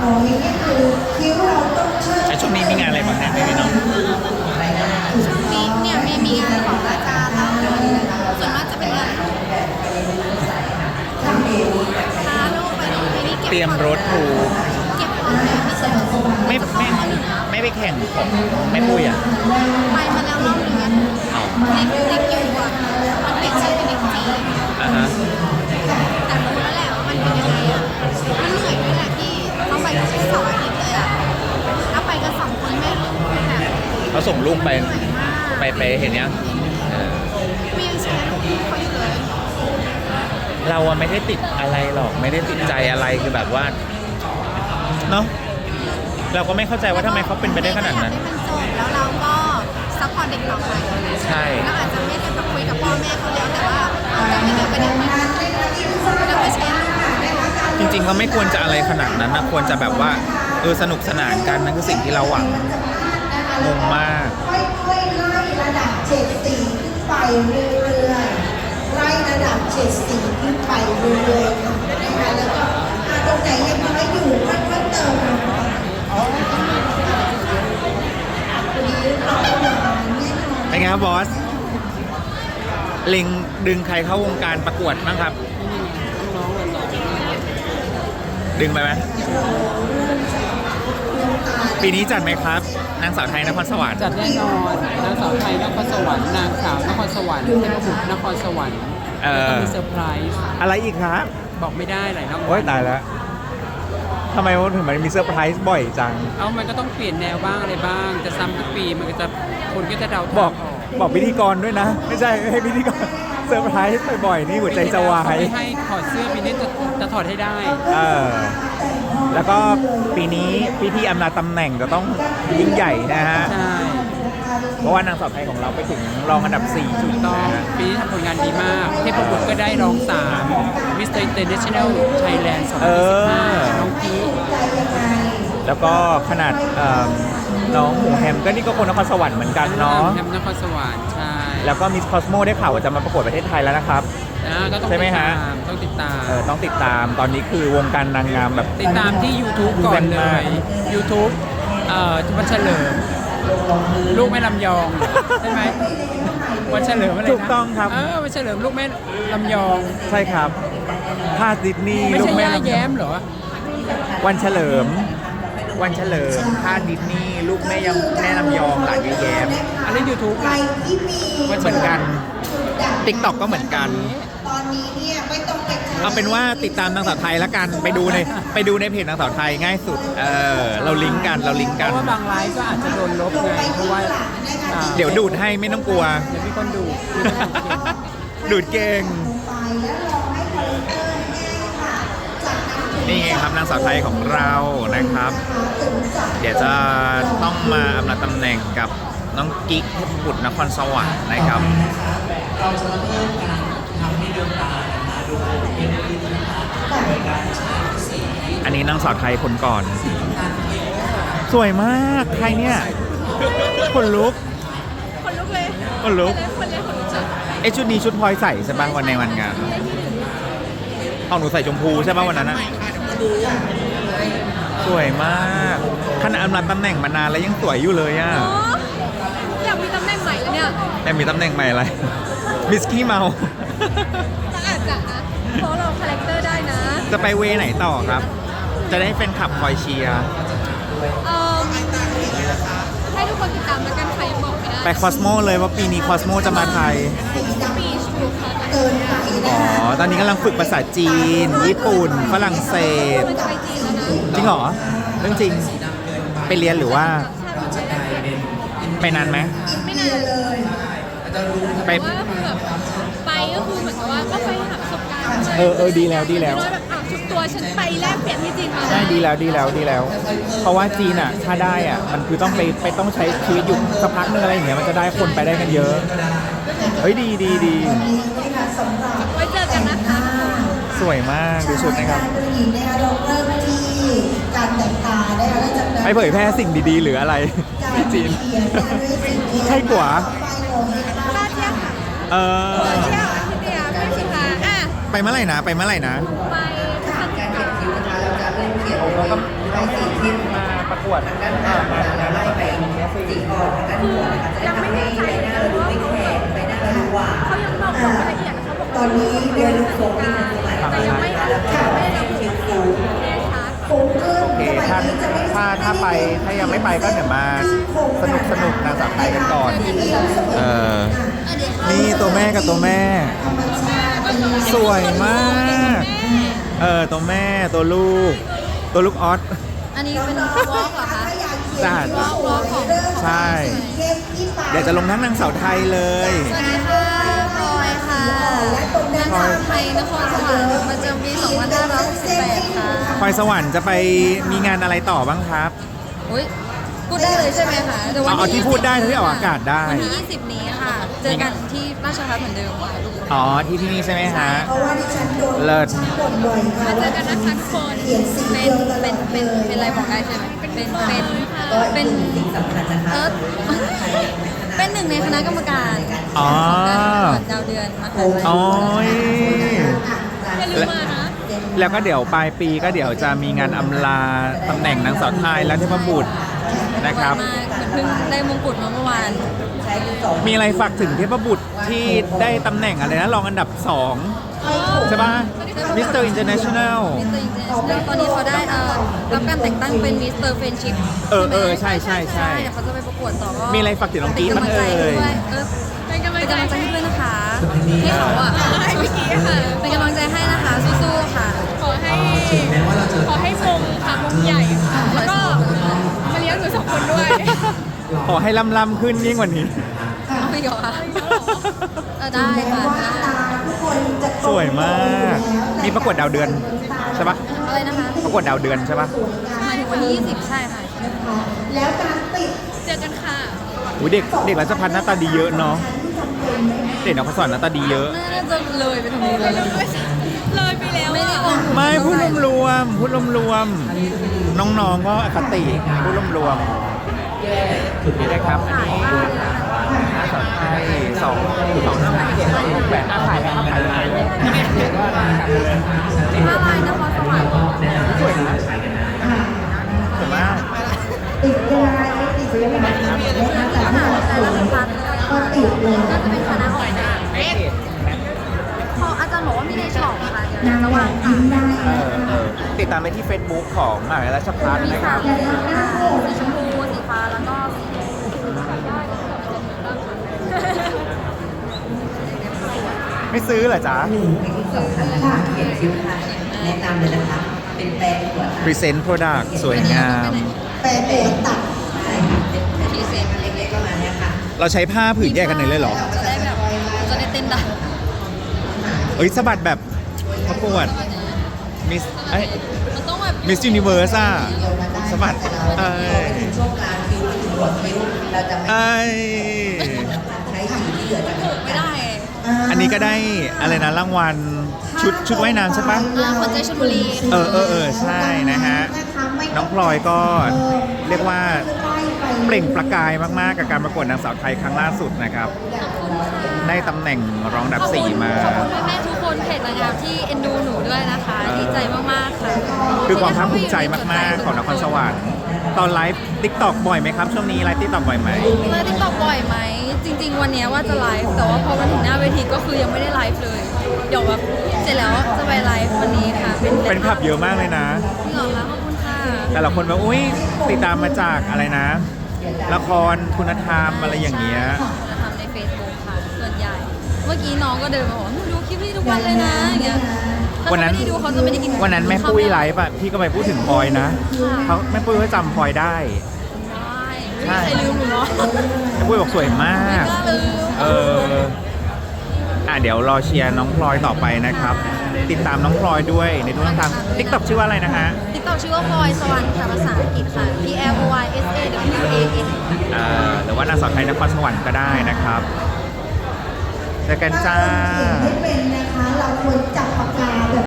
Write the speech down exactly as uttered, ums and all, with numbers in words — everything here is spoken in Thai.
ไอช่วงนี้มีงานอะไรบ้างเนี่ยไม่มีเนาะช่วงนี้เนี่ยมีมีงานของอาจารย์แล้วส่วนมากจะเป็นงานพาลูกไปดูไปนี่เก็บเตรียมรถถูกเก็บของไม่ใช่ไม่ไม่ไม่ไปแข่งของไม่ปุ้ยอ่ะไปมาแล้วรอบนึงอะเอาเล็กเล็กอยู่อ่ะมันเป็นชื่อเป็นเด็กจีนอ่ะฮะแต่รู้แล้วแหละว่ามันเป็นยังไงอ่ะมันเหนื่อยด้วยแหละพี่ต้องไปแค่สองอาทิตย์เลยอ่ะถ้าไปกันสองคนแม่ลูกคือแบบเขาส่งลูกไปไปไปเห็นยังเออมียังแชร์ลูกเขาอยู่เลยเราอะไม่ได้ติดอะไรหรอกไม่ได้ติดใจอะไรคือแบบว่าเนาะเราก็ไม่เข้าใจว่าทำไมเขาเป็นไปได้ขนาดนั้นอยกให้มันจบแล้วเราก็ซัพพอร์ตเด็กต่อไปใช่เราอาจจะไม่ได้ไปคุยกับพ่อแม่เขาแล้วแต่ว่าเราจะไม่เกี่ยวกับเด็กมันเราไม่ใช่ลูกเราจริงๆก็ไม่ควรจะอะไรขนาดนั้นนะควรจะแบบว่าเออสนุกสนานกันนั่นคือสิ่งที่เราหวังงงมากค่อยๆไล่ระดับเฉดสีขึ้นไปเรื่อยๆไล่ระดับเฉดสีขึ้นไปเรื่อยๆค่ะนะคะแล้วก็อ่ะตรงไหนยังน้อยอยู่ค่อยๆเติมลงไปวันนี้เราก็มาแน่นอนเป็นไงครับบอสเล็งดึงใครเข้าวงการประกวดบ้างครับ ดึงไปไหมปีนี้จัดไหมครับนางสาวไทยนครสวรรค์จัดแน่นอนนางสาวไทยนครสวรรค์นางสาวนครสวรรค์เทพบุตรนครสวรรค์แล้วก็มีเซอร์ไพรส์อะไรอีกครับบอกไม่ได้หลายรางวัลโอ้ยตายแล้วทำไมมันถึงมันมีเซอร์ไพรส์บ่อยจังเอามันก็ต้องเปลี่ยนแนวบ้างอะไรบ้าง จะซ้ำทุกปีมันก็จะคนก็จะเดาทางบอกบอกพิธีกรด้วยนะ ไม่ใช่ไม่ให้พิธีกรเซอร์ไพรส์บ่อยๆนี่หัวใจจะวาเขายไม่ให้ถอดเสื้อปีนี้จะจะถอดให้ได้เออแล้วก็ปีนี้พิธีอำลาตำแหน่งจะต้องยิ่งใหญ่นะฮะใช่เพราะว่านางสาวไทยของเราไปถึงรองอันดับสี่จุดต้องนะฮะปีนี้ทำผลงานดีมากเทพบุตรก็ได้รองสามมิสเตอร์อินเตอร์เนชั่นแนลไทยแลนด์สองพันสิบห้าน้องกีแล้วก็ขนาดเอิ่มน้องหมูแฮมก็นี่ก็คนนครสวรรค์เหมือนกันเนาะแฮมนครสวรรค์ใช่แล้วก็มิสคอสโมได้ข่าวว่าจะมาประกวดประเทศไทยแล้วนะครับอ่าก็ต้องใช่ไหมติดฮะตามต้องติดตามเออต้องติดตามตอนนี้คือวงการนางงามแบบติดตามที่ YouTube ก่อนเลย YouTube เอ่อวันเฉลิม ลูกแม่ลำยองใช่ไหมวันเฉลิมอะไรนะถูกต้องครับเออวันเฉลิมลูกแม่ลำยองใช่ครับภาคดิสนีย์ไม่ลูใช่กแม่ย่าลำแย้มเหรอวันเฉลิม วันเฉลิมภาคดิสนีย์ลูกแม่ยังแม่ลำยองหลานยายแย้มอันนี้ YouTube ใครที่มีเหมือนกัน ติ๊กต็อกก็เหมือนกันตอนนี้เนี่ยไม่ต้องไปเอาเป็นว่าติดตามนางสาวไทยแล้วกันไปดูในไปดูในเพจนางสาวไทยง่ายสุดเออเราลิงก์กันเราลิงก์เพกันราะว่าบางไลฟ์ก็อาจจะโดนลบไงเพราะว่าอ่าเดี๋ยวดูดให้ไม่ต้องกลัวเดี๋ยวมีคนดูดูได้โอเคดูดเก่งไปแล้วรอให้คอลเลกเตอร์แห้งค่ะจากนั้นถึงนี่ไงครับนางสาวไทยของเรานะครับถึงจะเดี๋ยวจะต้องมาอำลาตำแหน่งกับน้องกิ๊กเทพบุตรนครสวรรค์นะครับ อันนี้นางสาวไทยคนก่อน สวยมากใครเนี่ยคนลุกคนลุกเลยคนลุกคนเลยคนลุกจัดไอยชุดนี้ชุดพลอยใส่ใช่ป่ะวันในวันงานเอาหนูใส่ชมพูใช่ป่ะวันนั้นอะสวยมากขนาดอำลาตำแหน่งมานานแล้วยังสวยอยู่เลยอะอ๋ออยากมีตำแหน่งใหม่แล้วเนี่ยแต่มีตำแหน่งใหม่อะไร มิสกี้เมาก็อาจจะนะเพราะเราคาแรคเตอร์ได้นะจะไปเวไหนต่อครับ จะได้เป็นขับคอยเชียร์เอ่อให้ทุกคนติดตามแล้วกันใครยังบอกไม่ได้ไปคอสโมเลยว่าปีนี้คอสโมจะมาไทยปีชถูกค่ะเกินไปนะอ๋อคะตอนนี้กำลังฝึกภาษาจีน ญี่ปุ่น ฝรั่งเศสมันจะไปจีนแล้วนะจริงเหรอ เรื่องจริง ไปเรียนหรือว่า ไปนานไหมไม่นานไปแต่ว่าแบบไปก็คือเหมือนกับว่าก็ไปหาประสบการณ์เออเออดีแล้วดีแล้วแบบอ้าวทุกตัวฉันไปแลกเปลี่ยนที่จีนมาใช่ดีแล้วดีแล้วดีแล้ว เพราะว่าจีนอ่ะ ถ้าได้อ่ะ มันคือต้องไปไปต้องใช้ชีวิตอยู่สักพักนึงอะไรอย่างเงี้ย มันจะได้คนไปได้กันเยอะ เฮ้ยดีดีดีวันนี้นะคะสำหรับไว้เจอกันนะคะสวยมากดูชุดนะครับผู้หญิงนะคะเราเริ่มที่การแต่งกายนะคะแล้วจากนั้นไปเผยแพร่สิ่งดีๆ หรืออะไรการที่จีนเขียนนะคะด้วยสิ่งที่ใช่กว่าลาเที่ยวค่ะเออเที่ยวอาทิตย์เดียวไม่สิคะอ่ะไปเมื่อไหร่นะ ไปเมื่อไหร่นะไปทำกิจกรรมเขาก็เราไม่มาประกวดอ่ามางานอะไรอย่างเงี้ยสิยังไม่แน่ใจนะว่าเขายังบอกรายละเอียดเขาบอกตอนนี้เดือนฝนแต่ยังไม่ยังไม่ได้ระบุแน่ชัดฝนขึ้นโอเคสมัยถ้านี้จะไม่ถ้าถ้าไปถ้ายังไม่ไปก็เดี๋ยวมาสนุกสนุกนางสาวไทยกันก่อน เออ นี่ตัวแม่กับตัวแม่ธรรมชาติสวยมาก เออตัวแม่ตัวลูก ตัวลูกออสอันนี้เป็นวอล์กเหรอคะจ้าวอล์กวอล์กของใช่ เดี๋ยวจะลงทั้งนางสาวไทยเลยสวัสดีค่ะพลอยค่ะนางสาวไทยนครสวรรค์ประจำปีสองพันห้าร้อยหกสิบแปดค่ะพลอยสวรรค์จะไปมีงานอะไรต่อบ้างครับอุ้ยพูดได้เลยใช่ไหมคะดี๋ยววันเอาเอาที่พูดได้ที่ออกอากาศได้วันที่ยี่สิบนี้ค่ะ เจอกันที่ราชพัฒน์เหมือนเดิมค่ะอ๋อที่ที่นี่ใช่ไหมฮะเพราะว่าดิฉันโดนเลิศบ่นบ่อยค่ะมาเจอกันนะคะทุกคนเขียนสีเป็เดีนยวตลอดเป็นเป็นเลยเป็นอะไรบอกได้ใช่ไหมเป็นเป็นเป็นเป็นเออเป็นหนึ่งในคณะกรรมการอ๋อของการประกวดดาวเดือนมหาลัยโอ้ยอย่าลืมมานะแล้วก็เดี๋ยวปลายปีก็เดี๋ยวจะมีงานอำลาตำแหน่งนางสาวไทยและเทพบุตรนะครับสวยมากเหมือนเพิ่งได้มงกุฎมาเมื่อวานมีอะไรฝากถึงเทพบุตรที่ได้ตำแหน่งอะไรนะรองอันดับสองใช่ปะมิสเตอร์อินเตอร์เนชั่นแนลมิสเตอร์อินเตอร์เนชั่นแนลตอนนี้เขาได้เอ่อรับการแต่งตั้งเป็นมิสเตอร์เฟรนชิพเออเออใช่ใช่ใช่เดี๋ยวเขาจะไปประกวดต่อก็มีอะไรฝากถึงน้องกี๊ดเป็นกำลังใจบ้างเอ่ยด้วยเออเป็นกำลังใจให้ด้วยนะคะให้เขาอ่ะให้พี่กีค่ะเป็นกำลังใจให้นะคะสู้ๆค่ะขอให้ขอให้มงค่ะมงใหญ่ค่ะแล้วก็มาเลี้ยงหนูสองคนด้วยขอให้ล่ำล่ำขึ้นยิ่งกว่านี้เอาอีกเหรอคะเออได้ค่ะได้ทุกคนจะโตสวยมาก มีประกวดดาวเดือนใช่ปะอะไรนะคะประกวดดาวเดือนใช่ปะหมายถึงวันที่ยี่สิบใช่ค่ะแล้วการติดเจอกันค่ะอุ้ยเด็กเด็กรัชพัฒน์หน้าตาดีเยอะเนาะ เด็กนครสวรรค์หน้าตาดีเยอะน่าจะเลยไปตรงนี้เลยเลยไปแล้วไม่ได้อะอมไม่พูดรวมๆพูดรวมๆน้องๆก็อคติพูดรวมๆนี่นะครับอันนี้นางสาวไทยสองสองห้าหกเจ็ดสองหกแปดอาขายแล้วขายเลยก็นะครับผ้าลายนครสวรรค์สวยนะสวยมากติดเวลาติดเวลานะคะแต่ถ้าเราสวยก็ติดเลยน่าจะเป็นคณะออกแบบพออาจารย์บอกว่ามีในช็อปค่ะเดี๋ยวระหว่างค่ะได้เออเออติดตามไปที่ Facebook ของมหาวิทยาลัยราชภัฏมีนะคสารัมบสีค่ะสีชมพูสีฟ้าแล้วก็สีไม่ซื้อเหรอจ๊ะแนะนำเลยนะคะ เป็นแปลงหัว Present Product สวยงามแปรโปรตัดทีเซนเล็กๆประมาณเนี้ยค่ะเราใช้ผ้าผืนแยกกันเลยเลยเหรอจะได้แบบจะได้เต้นได้เอ้ยสะบัดแบบประกวดมิสไอ้มันต้องแบบมิสยูนิเวิร์สอ่ะสะบัดเอ้ยช่วงกลางคิ้วถึงหัวคิ้ว เราจะไม่เอ้ยใช้สีที่เหลือจากถูกไม่ได้อันนี้ก็ได้อะไรนะรางวัลชุดชุดว่ายน้ำใช่ปะอ่าคนใจชลบุรีเออเออเออใช่นะฮะ น้องพลอยก็เรียกว่าเปล่งประกายมากๆกับการประกวดนางสาวไทยครั้งล่าสุดนะครับ ได้ตำแหน่งรองอันดับสี่มาขอบคุณแม่ๆทุกคนเพจนางงามที่เอ็นดูหนูด้วยนะคะ ดีใจมากๆค่ะคือความภาคภูมิใจมากๆของนครสวรรค์ตอนไลฟ์ติ๊กต็อกบ่อยไหมครับ ช่วงนี้ไลฟ์ติ๊กต็อกบ่อยไหมไลฟ์ติ๊กต็อกบ่อยไหม จริง ๆ วันเนี้ยว่าจะไลฟ์แต่ว่าพอมาถึงหน้าเวทีก็คือยังไม่ได้ไลฟ์เลย เดี๋ยวแบบเสร็จแล้วจะไปไลฟ์วันนี้ค่ะ เป็นเป็นขับเยอะมากเลยนะจริงเหรอคะขอบคุณค่ะแต่ละคนแบบอุ้ยติดตามมาจากอะไรนะ ละครคุณธรรมอะไรอย่างเงี้ยจะทำใน Facebook ค่ะ ส่วนใหญ่ เมื่อกี้น้องก็เดินมาบอกหนูดูคลิปพี่ทุกวันเลยนะอย่างเงี้ยถ้าวันนั้นเขาไม่ได้ดูเขาจะไม่ได้กินวันนั้นแม่ปุ้ยไลฟ์อะพี่ก็ไปพูดถึงพลอยนะเขาแม่ปุ้ยก็จำพลอยได้ได้ไม่มีใครลืมหนูเนาะแม่ปุ้ยบอกสวยมากไม่กล้าลืมเอออ่ะเดี๋ยวรอเชียร์น้องพลอยต่อไปนะครับ ติดตามน้องพลอยด้วยในทุกช่องทางติ๊กต็อกชื่อว่าอะไรนะฮะติ๊กต็อกชื่อว่าพลอยสวรรค์ค่ะภาษาอังกฤษค่ะ P L O Y S A W A N อ่าหรือว่านางสาวไทยนครสวรรค์ก็ได้นะครับเจอกันจ้าเขียนไม่เป็นนะคะ เราควรจับปากกาแบบ